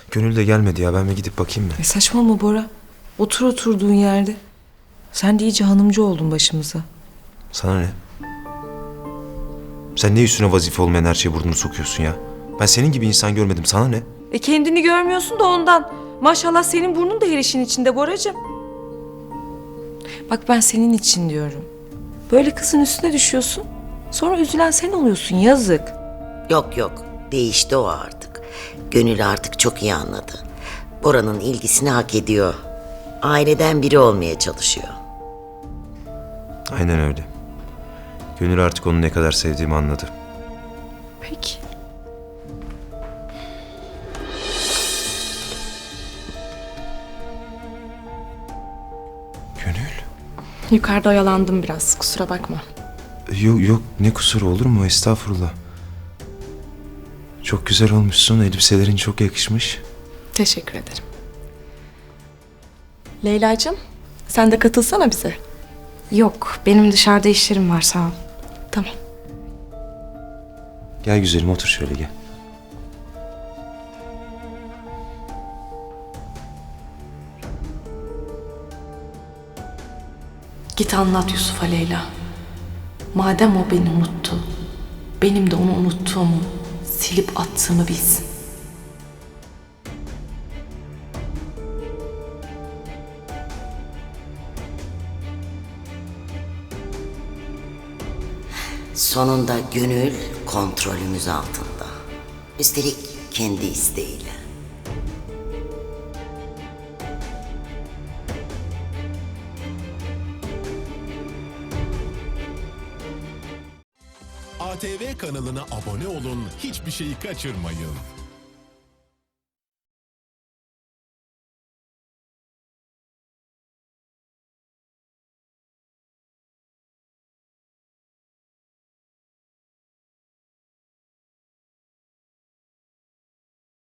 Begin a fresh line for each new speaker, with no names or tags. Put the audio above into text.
Gönül de gelmedi ya. Ben bir gidip bakayım mı?
Saçmalama Bora. Otur oturduğun yerde. Sen de iyice hanımcı oldun başımıza.
Sana ne? Sen ne üstüne vazife olmayan her şeye burnunu sokuyorsun ya? Ben senin gibi insan görmedim. Sana ne?
Kendini görmüyorsun da ondan. Maşallah senin burnun da her işin içinde Boracığım. Bak ben senin için diyorum. Böyle kızın üstüne düşüyorsun. Sonra üzülen sen oluyorsun, yazık.
Yok yok, değişti o artık. Gönül artık çok iyi anladı. Bora'nın ilgisini hak ediyor. Aileden biri olmaya çalışıyor.
Aynen öyle. Gönül artık onu ne kadar sevdiğimi anladı.
Peki.
Gönül?
Yukarıda oyalandım biraz, kusura bakma.
Yok yok, ne kusuru olur mu? Estağfurullah. Çok güzel olmuşsun. Elbiselerin çok yakışmış.
Teşekkür ederim. Leyla'cığım, sen de katılsana bize.
Yok, benim dışarıda işlerim var, sağ ol.
Tamam.
Gel güzelim, otur şöyle gel.
Git anlat Yusuf'a Leyla. Madem o beni unuttu, benim de onu unuttuğumu, silip attığımı bilsin.
Sonunda Gönül kontrolümüz altında. Üstelik kendi isteğiyle.
ATV kanalına abone olun, hiçbir şeyi kaçırmayın.